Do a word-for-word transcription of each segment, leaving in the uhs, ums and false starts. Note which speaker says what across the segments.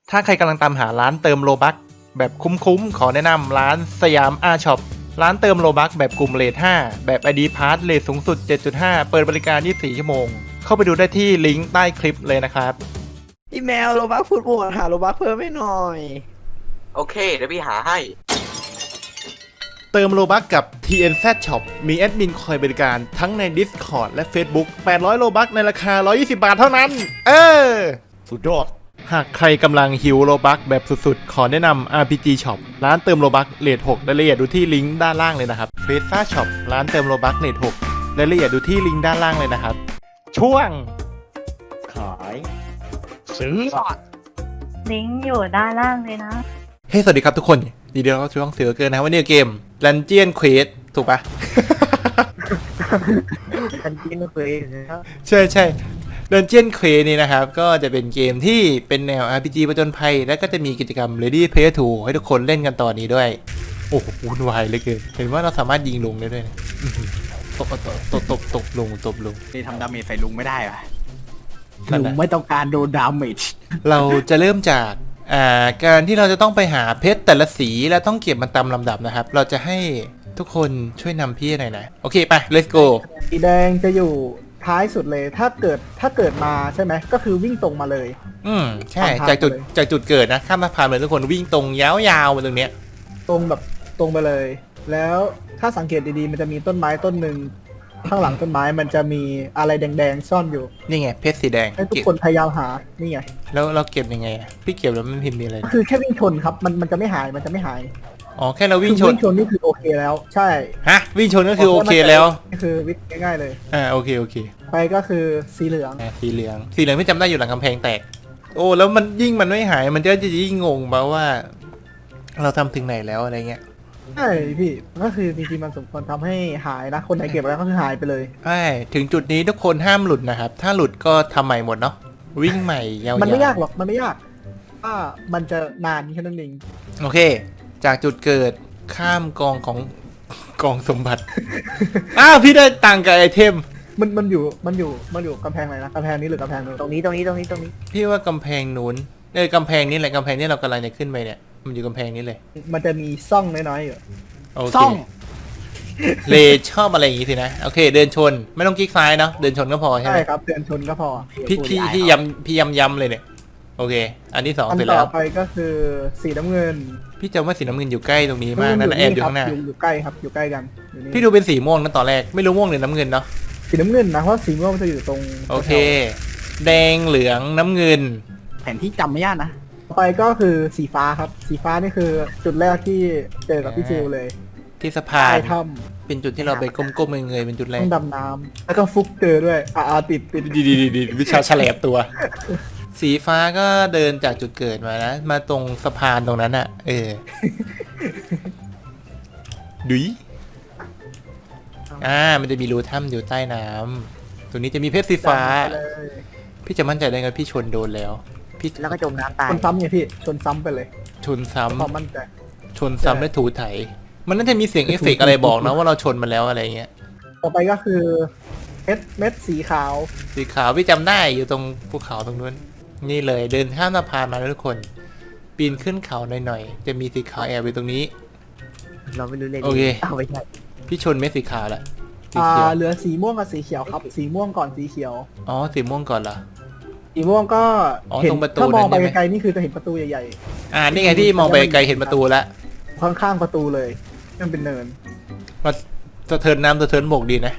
Speaker 1: ถ้าใครกำลังตามหาร้านเติมโลบัคแบบคุ้มๆขอแนะนำร้านสยามอาช็อปร้านเติมโลบัคแบบกลุ่มเรทห้าแบบ ไอ ดี Pass เรทสูงสุด เจ็ดจุดห้า เปิดบริการยี่สิบสี่ชั่วโมงเข้าไปดูได้ที่ลิงก์ใต้คลิปเลยนะครับ
Speaker 2: พี่แมวโลบักพูดบวกหาโลบักเพิ่มให้หน่อย
Speaker 3: โอเคเดี๋ยวพี่หาให้
Speaker 1: เติมโลบัคกับ ที เอ็น แซด Shop มีแอดมินคอยบริการทั้งใน Discord และ Facebook แปดร้อยโลบัคในราคาหนึ่งร้อยยี่สิบบาทเท่านั้นเออสุดยอดหากใครกำลังหิวโลบัคแบบสุดๆขอแนะนำ อาร์ พี จี Shop ร้านเติมโลบัคเรทหกรายละเอียดดูที่ลิงก์ด้านล่างเลยนะครับ เฟซ่า Shop ร้านเติมโลบัคเรทหกรายละเอียดดูที่ลิงก์ด้านล่างเลยนะครับช่วง
Speaker 2: ขาย
Speaker 1: ซื้อ
Speaker 4: ลิงก์อยู่ด้านล่างเลยนะ
Speaker 1: เฮ้สวัสดีครับทุกคนดีเดียวเราช่วงเสือเกินนะวันนี้เกม Dungeon Quest ถูกปะ
Speaker 2: กันกินเคยนะครับ
Speaker 1: ใช่ใช่ Dungeon Quest นี่นะครับก็จะเป็นเกมที่เป็นแนว อาร์ พี จี ผจญภัยและก็จะมีกิจกรรม Ready Player ทูให้ทุกคนเล่นกันตอนนี้ด้วยโอ้โหวุ่นวายเหลือเกินเห็นว่าเราสามารถยิงลุงได้ด้วยนะตบตบตบตบตบลุงตบลุง
Speaker 5: นี่ทำดาเมจใส่ลุงไม่ได้ป่ะลุงไม่ต้องการโดนดาเมจ
Speaker 1: เราจะเริ่มจากอ่าการที่เราจะต้องไปหาเพชรแต่ละสีและต้องเก็บมันตามลำดับนะครับเราจะให้ทุกคนช่วยนำพี่หน่อยนะโอเคไป let's go
Speaker 6: สีแดงจะอยู่ท้ายสุดเลยถ้าเกิดถ้าเกิดมาใช่ไหมก็คือวิ่งตรงมาเลย
Speaker 1: อืมใช่จากจุดจากจุดเกิดนะข้ามสะพานเลยทุกคนวิ่งตรงยาวๆมาตรงเนี้ย
Speaker 6: ตรงแบบตรงไปเลยแล้วถ้าสังเกตดีๆมันจะมีต้นไม้ต้นหนึ่งข้างหลังต้นไม้มันจะมีอะไรแดงๆซ่อนอยู่
Speaker 1: นี่ไงเพชรสีแดง
Speaker 6: ให้ทุกคนพยายามหานี่ไง
Speaker 1: แล้วเราเก็บยังไงพี่เก็บแล้วมันพิมพ์มีอะไร
Speaker 6: คือแค่วิ่งชนครับมันมันจะไม่หายมันจะไม่หาย
Speaker 1: อ๋อแค่เราวิ่งชน
Speaker 6: วิ่งชนนี่คือโอเคแล้วใช่
Speaker 1: ฮะวิ่งชนก็คือโอเคแล้ว
Speaker 6: นี่คือวิ่งง่ายๆเลย
Speaker 1: อ่าโอเคโอเค
Speaker 6: ไปก็คือสีเหลือง
Speaker 1: อ่าสีเหลืองสีเหลืองไม่จำได้อยู่หลังกำแพงแตกโอ้แล้วมันยิ่งมันไม่หายมันก็จะยิ่งงงแบบว่า เราทำถึงไหนแล้วอะไรเงี้ย
Speaker 6: ใช่พี่ก็คือจริงๆมันสมควรทำให้หายนะคนไหนเก็บแล้วก็คือหายไปเลย
Speaker 1: ใช่ถึงจุดนี้ทุกคนห้ามหลุดนะครับถ้าหลุดก็ทำใหม่หมดเนาะวิ่งใหม่ยาวๆ
Speaker 6: มันไม่ยากหรอกมันไม่ยากถ้ามันจะนานแค่นั้นเอง
Speaker 1: โอเคจากจุดเกิดข้ามกองของกองสมบัติ อ้าวพี่ได้ตังค์กับไอเทม
Speaker 6: มันมันอยู่มันอยู่มันอยู่กำแพงไหนนะกำแพงนี้หรือกำแพงนู้น
Speaker 2: ตรงนี้ตรงนี้ตรงนี้ตรงนี้
Speaker 1: พี่ว่ากำแพงนู้นเออกำแพงนี้แหละกำแพงนี้เรากำลังจะขึ้นไปเนี่ยมันอยู่กำแพงนี้เลย
Speaker 6: มันจะมีซ่องน้อยๆอยู่
Speaker 1: โอเคซ่องเลชอบอะไรอย่างงี้สินะโอเคเดินชนไม่ต้องคลิกซ้ายเนาะเดินชนก็พอใช่ไหม
Speaker 6: ใช่ครับเดินชนก็พอ
Speaker 1: พี่พี่พี่ย้ำพี่ย้ำย้ำเลยเนี่ยโอเคอันที่สองเสร็จแล้ว
Speaker 6: ต่อไปก็คือสีน้ำเงิน
Speaker 1: พี่จำว่าสีน้ำเงินอยู่ใกล้ตรงนี้มากนั่นแอบอยู่ข้างหน้า
Speaker 6: อยู่ใกล้ครับอยู่ใกล้กัน
Speaker 1: พี่ดูเป็นสีม่วงนั่นตอนแรกไม่รู้ม่วงหรือน้ำเงินเนาะ
Speaker 6: สีน้ำเงินนะเพราะสีม่วงมันจะอยู่ตรง
Speaker 1: โอเคแดงเหลืองน้ำเงิน
Speaker 5: แผนที่จำไม่ยากนะ
Speaker 6: ต่อไปก็คือสีฟ้าครับสีฟ้านี่คือจุดแรกที่เจอกับพี่จิวเลย
Speaker 1: ที่สะพานเป็นจุดที่เราไปก้มๆเงยๆเป็นจุดแรก
Speaker 6: ดำน้ำแล้วก็ฟุกเจอด้วยอ่าติดติด
Speaker 1: ดีดีดีวิชาแฉลบตัวสีฟ้าก็เดินจากจุดเกิดมานะมาตรงสะพานตรงนั้นอ่ะเออดุยอ่ามันจะมีรูถ้ำอยู่ใต้น้ำตรงนี้จะมีเพชรสีฟ้าพี่จะมั่นใจได้ไงพี่ชนโดนแล้ว
Speaker 2: พี่แล้วก็จมน้ำตาย
Speaker 6: ชนซ้ำไงพี่ชนซ้ำไปเลย
Speaker 1: ชนซ้ำ
Speaker 6: ความมั่นใจ
Speaker 1: ชนซ้ำและถูไถมันน่าจะมีเสียงเอฟเฟกต์อะไรบอกนะว่าเราชนมาแล้วอะไรเงี้ย
Speaker 6: ต่อไปก็คือเม็ดเม็ดสีขาว
Speaker 1: สีขาวพี่จำได้อยู่ตรงภูเขาตรงนู้นนี่เลยเดินข้ามสะพานมาแล้วทุกคนปีนขึ้นเขาหน่อยๆจะมีสีขาวแอบอยู่ตรงนี้
Speaker 2: เราไม่รู้เลย
Speaker 1: โอเค
Speaker 2: เอาไปใช่
Speaker 1: พี่ชนเม็ดสีขาวแหละ
Speaker 6: อ่าเหลือสีม่วงกับสีเขียวครับสีม่วงก่อนสีเขียว
Speaker 1: อ๋อสีม่วงก่อนเหรอ
Speaker 6: สีม่วงก็
Speaker 1: เห็น
Speaker 6: ถ้ามองไปไกลๆนี่คือจะเห็นประตูใหญ่
Speaker 1: ๆอ่านี่ไงที่มองไปไกลเห็นประตูแล้ว
Speaker 6: ข้างๆประตูเลยมันเป็นเนิน
Speaker 1: มาสะเทินน้ำสะเทินบกดีนะ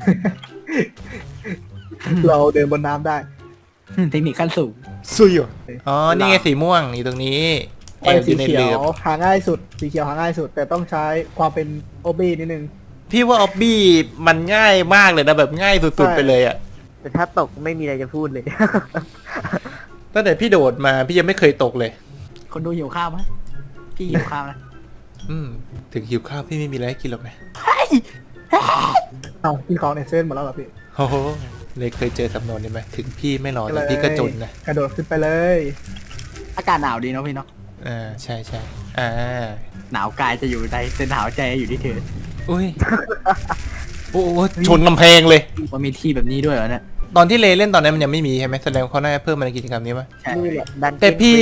Speaker 6: เราเดินบนน้ำได้
Speaker 5: เทคนิคขั้นสูง
Speaker 1: ซุยอ๋อนี่ไงสีม่วงอยู่ตรงนี้
Speaker 6: แอบสีเขียวหาง่ายสุดสีเขียวหาง่ายสุดแต่ต้องใช้ความเป็นออบบี้นิดนึง
Speaker 1: พี่ว่าออบบี้มันง่ายมากเลยนะแบบง่ายสุดๆไปเลยอ่ะ
Speaker 2: แต่ถ้าตกไม่มีอะไรจะพูดเลย
Speaker 1: ตั้งแต่พี่โดดมาพี่ยังไม่เคยตกเลย
Speaker 5: คนดูหิวข้าวไหมพี่หิวข้าวนะ
Speaker 1: อืมถึงหิวข้าวพี่ไม่มีอะไรให้กินหรอกนะ
Speaker 6: เอาพี่ของในเส้นหมดแล้วเหรอพี่
Speaker 1: โอ้โหเลยเคยเจอสำนวนนี้ไหมถึงพี่ไม่รอแต่พี่ก็จนนะ
Speaker 6: กระโดดขึ้นไปเลย
Speaker 5: อากาศหนาวดีเนาะพี่เนาะ
Speaker 1: อ่าใช่ใช่อ่า
Speaker 5: หนาวกายจะอยู่ในแต่หนาวใจอยู่ที่เธอ
Speaker 1: อุ้ยโอ้ชนกำแพงเลย
Speaker 5: มันมีที่แบบนี้ด้วยเหรอเนี่ย
Speaker 1: ตอนที่เลเล่นตอนนั้นมันยังไม่มีใช่ไหมแสดงเขาน่าจะเพิ่มมาในกิจกรรมนี้ป่ะ
Speaker 5: ใช่
Speaker 1: แต่พี่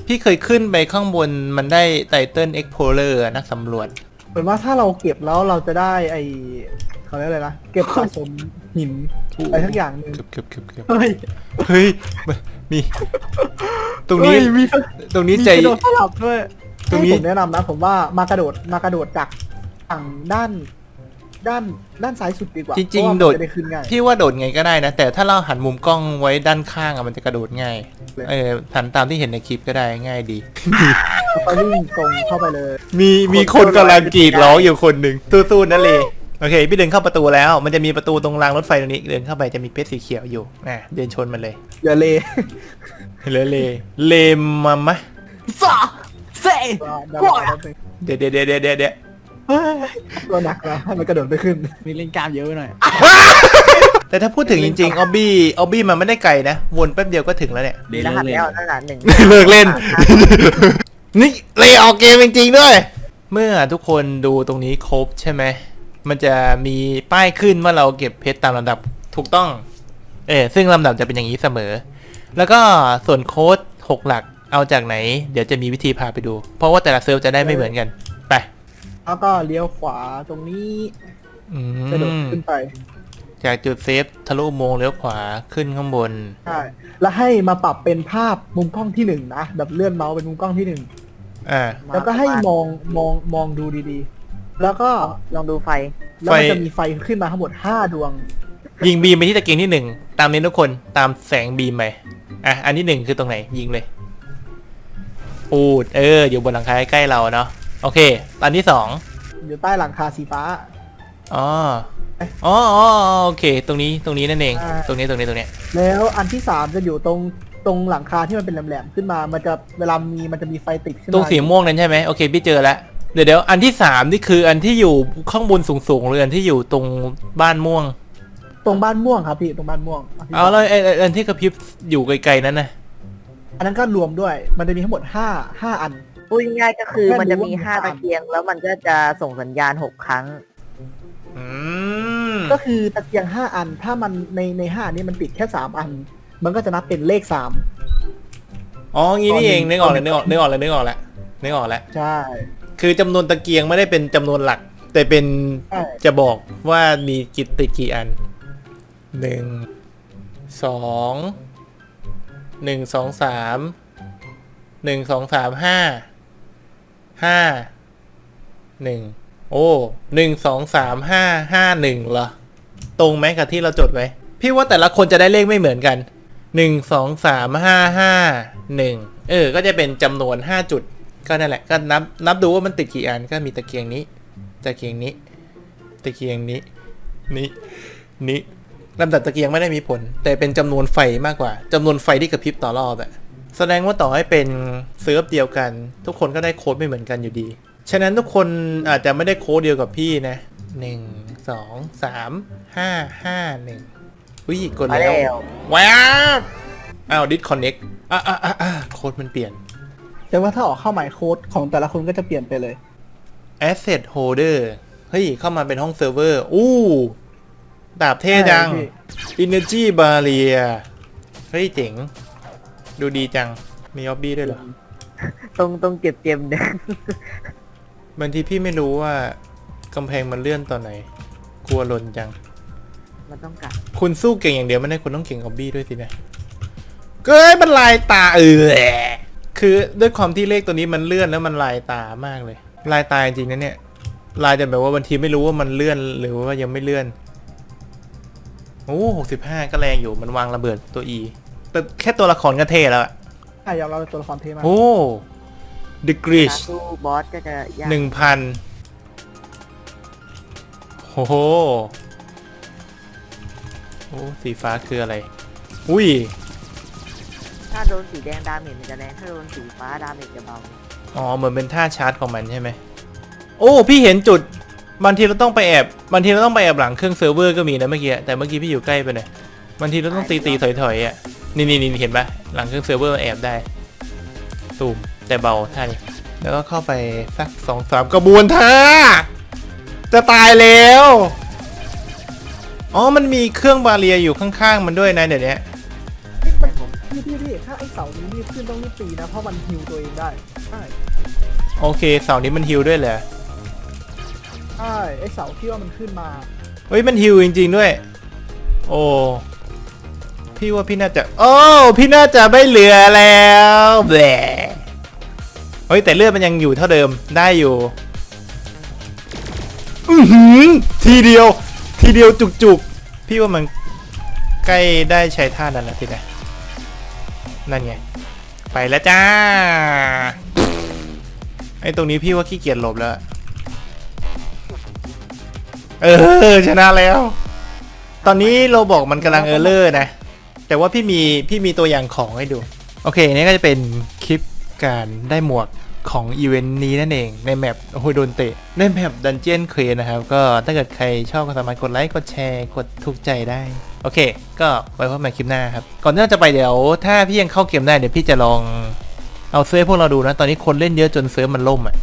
Speaker 1: พี่เคยขึ้นไปข้างบนมันได้ไตเติ้ลเอ็กโพเลอร์นักสำรวจ
Speaker 6: เหมือนว่าถ้าเราเก็บแล้วเราจะได้ไอเขาเรียกอะไรนะเก็บสะสมหินอะไรทั้งอย่างหนึ่ง
Speaker 1: เกือบเกือบเกือบเกือบ
Speaker 6: เฮ้ย
Speaker 1: เฮ้ยมี ตรงนี้
Speaker 6: เฮ้ยมี
Speaker 1: ตรงนี้
Speaker 6: มี
Speaker 1: ใจ
Speaker 6: กระโดดสลับด้วย
Speaker 1: ตรงนี้
Speaker 6: ให้ผมแนะนำนะผมว่ามากระโดดมากระโดดจากฝั่งด้านด้านด้านซ้ายสุดดีกว่า
Speaker 1: จริง
Speaker 6: เพาะว่า
Speaker 1: ๆโดด
Speaker 6: มันจะได้ขึ้นง่าย
Speaker 1: พี่ว่าโดดไงก็ได้นะ แต่ถ้าเราหันมุมกล้องไว้ด้านข้างอะมันจะกระโดดง่าย
Speaker 6: เลย
Speaker 1: เออหันตามที่เห็นในคลิปก็ได้ง่ายดี
Speaker 6: แล้วก็วิ่งตรงเข้าไปเลย
Speaker 1: มีมีคนกำลังกรีดร้องอยู่คนหนึ่งสู้ๆนะเลโอเค พี่เดินเข้าประตูแล้ว มันจะมีประตูตรงรางรถไฟตรงนี้ เดินเข้าไปจะมีเพชรสีเขียวอยู่อ่ะเดินชนมันเลย
Speaker 6: อย่าเล
Speaker 1: เลเลเลมามะ
Speaker 5: สาเซ่
Speaker 6: ดาวดาวดาว
Speaker 1: เดี๋ยวเดี๋ยวเดี๋ยวเดี๋ยวเดี๋ยว
Speaker 6: เฮ้ยตัวหนักนะให้มันกระโดดไปขึ้น
Speaker 5: มีเล่นกล้ามเยอะไปหน่อย
Speaker 1: แต่ถ้าพูดถึงจริงๆออบบี้ออบบี้มันไม่ได้ไกลนะ วนแป๊บเดียวก็ถึงแล้วเนี่ย
Speaker 5: เดี๋ยว
Speaker 2: รหัส
Speaker 5: เล่น
Speaker 2: แล้วนั่นแหละหนึ่ง
Speaker 1: เลิกเล่น นี่เลยออกเกมจริงๆด้วย เมื่อทุกคนดูตรงนี้ครบใช่ไหม มันจะมีป้ายขึ้นว่าเราเก็บเพชรตามลำดับถูกต้อง เออซึ่งลำดับจะเป็นอย่างนี้เสมอ แล้วก็ส่วนโค้ดหกหลักเอาจากไหน เดี๋ยวจะมีวิธีพาไปดู เพราะว่าแต่ละเซิร์ฟจะได้ไม่เหมือนกัน ไป
Speaker 6: แล้วก็เลี้ยวขวาตรงนี้
Speaker 1: อื
Speaker 6: กระโดด
Speaker 1: ม
Speaker 6: ขึ้นไป
Speaker 1: จากจุดเซฟทะลุอุโมงค์เลี้ยวขวาขึ้นข้างบน
Speaker 6: ใช่แล้วให้มาปรับเป็นภาพมุมกล้องที่หนึ่งนะแบบเลื่อนเมาส์เป็นมุมกล้องที่หนึ่ง
Speaker 1: อ่า
Speaker 6: แล้วก็ให้มองมองมองดูดีๆ แล้วก็
Speaker 2: ลองดูไฟ
Speaker 6: แล้วมัน
Speaker 1: ไฟ
Speaker 6: จะมีไฟขึ้นมาทั้งหมดห้าดวง
Speaker 1: ยิงบีมไปที่ตะเกียงที่หนึ่งตามนี้ทุกคนตามแสงบีมไปอ่ะอันที่หนึ่งคือตรงไหนยิงเลยปูดเอออยู่บนหลังคาใกล้ๆเราเนาะโอเคอันที่สอง
Speaker 6: อยู่ใต้หลังคาสีฟ้า
Speaker 1: อ๋ออ๋ออ๋อโอเค ตรงนี้ตรงนี้นั่นเอง
Speaker 6: อ่า
Speaker 1: ตรงนี้ตรงนี้ตรงนี้
Speaker 6: แล้วอันที่สามจะอยู่ตรงตรงหลังคาที่มันเป็นแหลมๆขึ้นมา มันจะเวลามีมันจะมีไฟติดขึ้นมา
Speaker 1: ตรงสีม่วงนั้นใช่ไหมโอเคพี่เจอแล้วเดี๋ยวเดี๋ยวอันที่สามนี่คืออันที่อยู่ข้างบนสูงๆหรืออันที่อยู่ตรงบ้านม่วง
Speaker 6: ตรงบ้านม่วงครับพี่ตรงบ้านม่วงนที่
Speaker 1: เอาแล้วไอ้ไอ้อันที่กระพริบอยู่ไกลๆนั้นนะ
Speaker 6: อันนั้นก็รวมด้วย มันจะมีทั้งหมดห้าห้าอัน
Speaker 2: พูดง่ายๆก็คือ
Speaker 6: แค่รู้
Speaker 2: มันจะมี
Speaker 6: ว่ามี
Speaker 2: ห้า
Speaker 6: สาม
Speaker 2: ตะเกียง แล้วมันก็จะส่งสัญญาณหกครั้ง
Speaker 1: อืม
Speaker 6: ก็คือตะเกียงห้าอัน ถ้ามันในในห้านี้มันติดแค่สามอัน มันก็จะนับเป็นเลขสาม
Speaker 1: อ๋องี้นี่เอง
Speaker 6: ตอนนี้
Speaker 1: นึกออกเลยนึกออกนึกออกเลยนึกออกแล้วนึกออกแล้ว
Speaker 6: ใช่
Speaker 1: คือจำนวนตะเกียงไม่ได้เป็นจำนวนหลัก แต่เป็น
Speaker 6: ใช่
Speaker 1: จะบอกว่ามีกี่ติดกี่อันหนึ่งสองหนึ่งสองสามหนึ่งสองสามห้าห้าหนึ่งโอ้หนึ่งสองสามห้าห้าหนึ่งเหรอ ตรงไหมกับที่เราจดไว้ พี่ว่าแต่ละคนจะได้เลขไม่เหมือนกันหนึ่งสองสามห้าห้าหนึ่งเออก็จะเป็นจำนวนห้าจุด ก็นั่นแหละก็นับนับดูว่ามันติดกี่อันก็มีตะเกียงนี้ ตะเกียงนี้ ตะเกียงนี้ นี้นี้ลำดับตะเกียงไม่ได้มีผล แต่เป็นจำนวนไฟมากกว่าจำนวนไฟที่กระพริบต่อรอบอะแสดงว่าต่อให้เป็นเซิร์ฟเดียวกัน ทุกคนก็ได้โค้ดไม่เหมือนกันอยู่ดี ฉะนั้นทุกคนอาจจะไม่ได้โค้ดเดียวกับพี่นะหนึ่งสองสามห้าห้าหนึ่งอุ้ยกด
Speaker 2: มา
Speaker 1: แล้
Speaker 2: แล้ว ว
Speaker 1: ว้าว อ้าวดิสคอนเน็กอ่ะอ่ะอ่ะอ่ะโค้ดมันเปลี่ยน
Speaker 6: แต่ว่าถ้าออกเข้าหมายโค้ดของแต่ละคนก็จะเปลี่ยนไปเลย
Speaker 1: Asset Holder เฮ้ย เข้ามาเป็นห้องเซิร์ฟเวอร์ อู้ดาบเท่จัง
Speaker 6: ใช่พี่
Speaker 1: Energy Barrier เฮ้ย เจ๋ง ดูดีจัง มีออบบี้ด้วยเหรอ
Speaker 2: ตรงตรงเก็บเกมเนี่ย
Speaker 1: บางทีพี่ไม่รู้ว่ากำแพงมันเลื่อนตอนไหน กลัวหล่นจัง
Speaker 2: มันต้องกัด
Speaker 1: คุณสู้เก่งอย่างเดียวไม่ได้คุณต้องเก่งออบบี้ด้วยสินะเก้ยมันลายตาเออคือด้วยความที่เลขตัวนี้มันเลื่อนแล้วมันลายตามากเลย ลายตาจริงๆนะเนี่ย ลายจะแบบว่าบางทีไม่รู้ว่ามันเลื่อนหรือว่ายังไม่เลื่อน โอ้หกสิบห้าก็แรงอยู่มันวางระเบิดตัว E แต่แค่ตัวละครก็เท่แล้วอะ
Speaker 6: ใช่ยอมรับเป็นตัวละครเท่มาก
Speaker 1: โอ้ The
Speaker 2: กา
Speaker 1: Grish
Speaker 2: รสู้บอสก็จะยาก
Speaker 1: หนึ่งพันโอ้โหโอ้สีฟ้าคืออะไร อุ้ย
Speaker 2: ถ้าโดนสีแดงดาเมจมันจะแรง ถ้าโดนสีฟ้าดาเมจจะเบา
Speaker 1: อ๋อเหมือนเป็นท่าชาร์จของมันใช่ไหมโอ้พี่เห็นจุดบางทีเราต้องไปแอบบางทีเราต้องไปแอบหลังเครื่องเซิร์ฟเวอร์ก็มีนะเมื่อกี้แต่เมื่อกี้พี่อยู่ใกล้ไปหน่อยบางทีเราต้องตีตีถอยถอยๆอ่ะนี่นี่นี่เห็นปะหลังเครื่องเซิร์ฟเวอร์มันแอบได้ตูมแต่เบาท่านี้แล้วก็เข้าไปสักสองสามกระบวนท่าจะตายแล้วอ๋อมันมีเครื่องบาเรียอยู่ข้างๆมันด้วยนะเดี๋ยวนี้
Speaker 6: พี่พี่พี่ถ้าไอ้เสานี้รีบขึ้นต้องรีบตีนะ เพราะมันฮิวตัวเองได้ ใช่
Speaker 1: โอเคเสาร์นี้มันฮิวด้วยเหรอ
Speaker 6: ใช่ ไอ้เสาที่ว่ามันขึ้นมา
Speaker 1: เฮ้ยมันฮิวจริงๆด้วย โอ้พี่ว่าพี่น่าจะโอ้พี่น่าจะไม่เหลือแล้วแหละเฮ้ยแต่เลือดมันยังอยู่เท่าเดิมได้อยู่อือหือทีเดียวทีเดียวจุกๆพี่ว่ามันใกล้ได้ใช้ท่านั้นแล้วทีนะนั่นไงไปแล้วจ้าไอ้ตรงนี้พี่ว่าขี้เกียจหลบแล้วเออชนะแล้วตอนนี้เราบอกมันกำลังเออร์เลอร์นะแต่ว่าพี่มีพี่มีตัวอย่างของให้ดูโอเคนี่ก็จะเป็นคลิปการได้หมวกของอีเวนต์นี้นั่นเองในแมปโอ้โหโดนเตะในแมปดันเจียนเควนนะครับก็ถ้าเกิดใครชอบก็สามารถกดไลค์กดแชร์กดถูกใจได้โอเคก็ไว้พบกันใหม่คลิปหน้าครับก่อนที่เราจะไปเดี๋ยวถ้าพี่ยังเข้าเกมได้เดี๋ยวพี่จะลองเอาเซิร์ฟพวกเราดูนะตอนนี้คนเล่นเยอะจนเซิร์ฟมันล่มอ่ะ